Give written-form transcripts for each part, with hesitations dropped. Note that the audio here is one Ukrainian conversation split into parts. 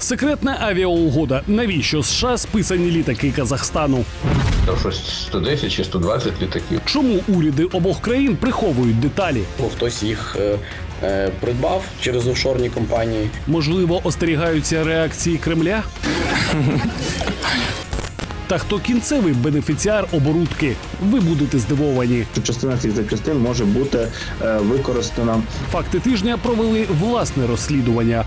Секретна авіаугода. Навіщо США списані літаки Казахстану? Там щось 110 чи 120 літаків. Чому уряди обох країн приховують деталі? Хтось їх придбав через офшорні компанії. Можливо, остерігаються реакції Кремля? Та хто кінцевий бенефіціар оборудки? Ви будете здивовані. Частина цих запчастин може бути використана. Факти тижня провели власне розслідування.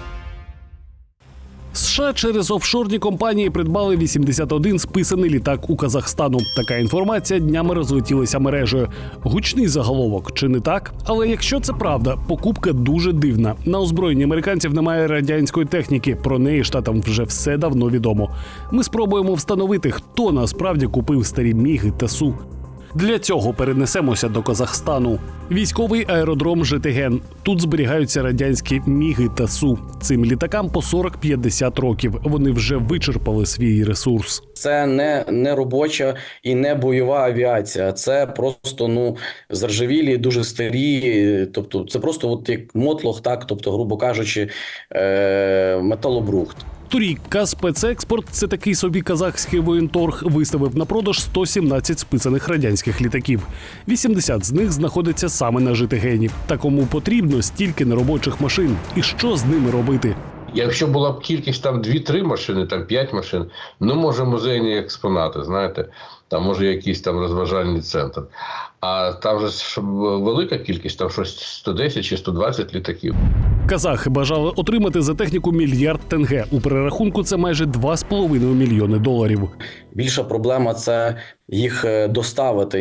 США через офшорні компанії придбали 81 списаний літак у Казахстану. Така інформація днями розлетілася мережею. Гучний заголовок, чи не так? Але якщо це правда, покупка дуже дивна. На озброєнні американців немає радянської техніки. Про неї штатам вже все давно відомо. Ми спробуємо встановити, хто насправді купив старі Міги та Су. Для цього перенесемося до Казахстану. Військовий аеродром Житиген. Тут зберігаються радянські Міги та Су. Цим літакам по 40-50 років. Вони вже вичерпали свій ресурс. Це не робоча і не бойова авіація. Це просто заржавілі, дуже старі. Тобто це просто от як мотлох, так, тобто, грубо кажучи, металобрухт. Торік Казспецекспорт, це такий собі казахський воєнторг, виставив на продаж 117 списаних радянських літаків. 80 з них знаходиться саме на Житигені. Та кому потрібно стільки неробочих машин? І що з ними робити? Якщо була б кількість там 2-3 машини, там 5 машин, може музейні експонати, знаєте, там може якийсь там розважальний центр. А там же велика кількість, там щось 110 чи 120 літаків. Казахи бажали отримати за техніку мільярд тенге. У перерахунку це майже 2,5 мільйони доларів. Більша проблема – це їх доставити,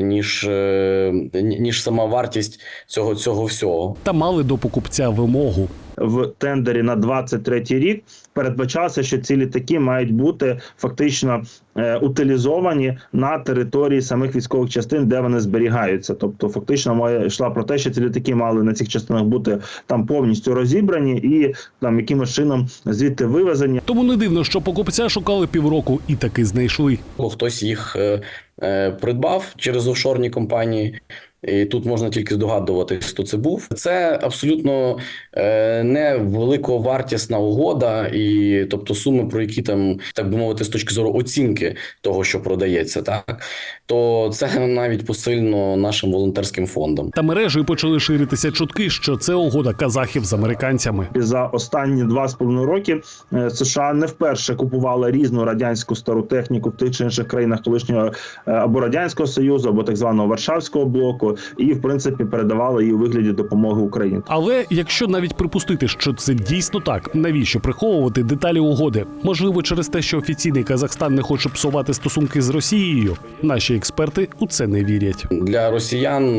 ніж сама вартість цього всього. Та мали до покупця вимогу. В тендері на 23 рік передбачалося, що ці літаки мають бути фактично утилізовані на території самих військових частин, де вони зберігаються. Тобто фактично мова йшла про те, що ці літаки мали на цих частинах бути там повністю розібрані і там якимось чином звідти вивезені. Тому не дивно, що покупця шукали півроку і таки знайшли. Хтось їх придбав через офшорні компанії. І тут можна тільки здогадуватись, хто це був. Це абсолютно не великовартісна угода, і тобто суми, про які там, так би мовити, з точки зору оцінки того, що продається, так, то це навіть посильно нашим волонтерським фондом. Та мережею почали ширитися чутки, що це угода казахів з американцями. За останні 2,5 роки США не вперше купували різну радянську стару техніку в тих чи інших країнах колишнього або Радянського Союзу, або так званого Варшавського блоку, і, в принципі, передавали її у вигляді допомоги Україні. Але якщо навіть припустити, що це дійсно так, навіщо приховувати деталі угоди? Можливо, через те, що офіційний Казахстан не хоче псувати стосунки з Росією? Наші експерти у це не вірять. Для росіян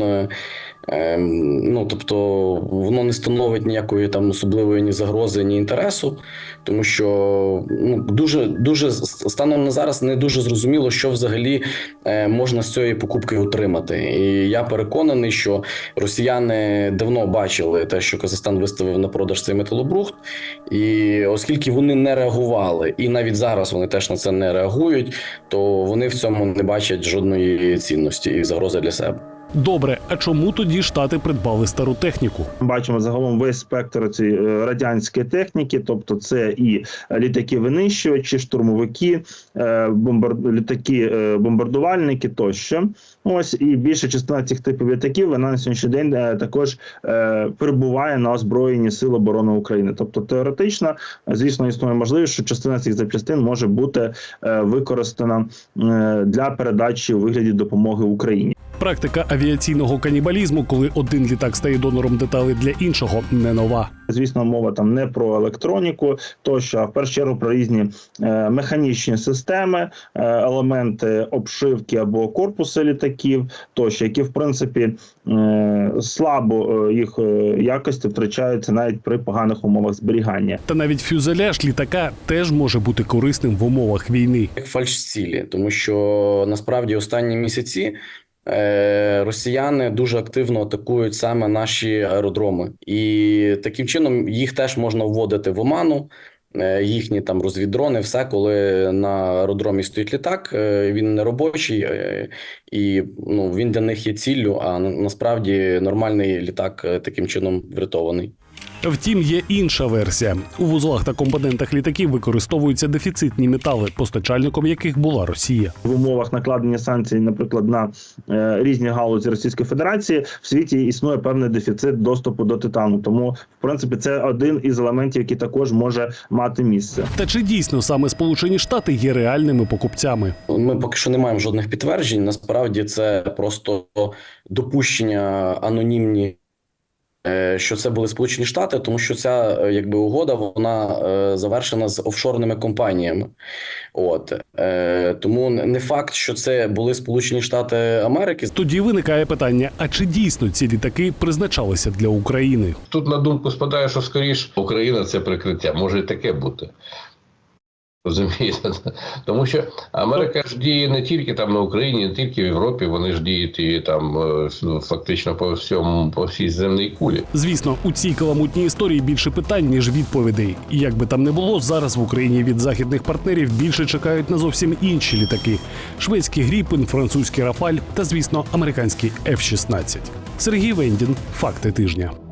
тобто воно не становить ніякої там особливої ні загрози, ні інтересу, тому що дуже станом на зараз не дуже зрозуміло, що взагалі можна з цієї покупки отримати. І я переконаний, що росіяни давно бачили те, що Казахстан виставив на продаж цей металобрухт, і оскільки вони не реагували, і навіть зараз вони теж на це не реагують, то вони в цьому не бачать жодної цінності і загрози для себе. Добре, а чому тоді Штати придбали стару техніку? Бачимо загалом весь спектр цієї радянської техніки, тобто це і літаки-винищувачі, штурмовики, літаки-бомбардувальники тощо. Ось, і більша частина цих типів літаків, вона на сьогоднішній день також перебуває на озброєнні Сил оборони України. Тобто теоретично, звісно, існує можливість, що частина цих запчастин може бути використана для передачі у вигляді допомоги Україні. Практика авіаційного канібалізму, коли один літак стає донором деталей для іншого, не нова. Звісно, мова там не про електроніку, тощо, а в першу чергу про різні механічні системи, елементи обшивки або корпуси літаків, тощо, які, в принципі, слабо їх якості втрачаються навіть при поганих умовах зберігання. Та навіть фюзеляж літака теж може бути корисним в умовах війни. Як фальшцілі, тому що насправді останні місяці росіяни дуже активно атакують саме наші аеродроми. І таким чином їх теж можна вводити в оману, їхні там розвіддрони, все, коли на аеродромі стоїть літак, він не робочий, і він для них є ціллю, а насправді нормальний літак таким чином врятований. Втім, є інша версія. У вузлах та компонентах літаків використовуються дефіцитні метали, постачальником яких була Росія. В умовах накладення санкцій, наприклад, на різні галузі Російської Федерації, в світі існує певний дефіцит доступу до титану. Тому, в принципі, це один із елементів, який також може мати місце. Та чи дійсно саме Сполучені Штати є реальними покупцями? Ми поки що не маємо жодних підтверджень. Насправді це просто допущення анонімні, що це були Сполучені Штати, тому що ця угода вона завершена з офшорними компаніями. Тому не факт, що це були Сполучені Штати Америки. Тоді виникає питання: а чи дійсно ці літаки призначалися для України? Тут на думку спадає, що скоріш Україна – це прикриття. Може і таке бути. Розумієте? Тому що Америка ж діє не тільки там на Україні, не тільки в Європі, вони ж діють і там фактично по всій земній кулі. Звісно, у цій каламутній історії більше питань, ніж відповідей. І як би там не було, зараз в Україні від західних партнерів більше чекають на зовсім інші літаки: шведський Гріпен, французький Рафаль та, звісно, американський F-16. Сергій Вендін. Факти тижня.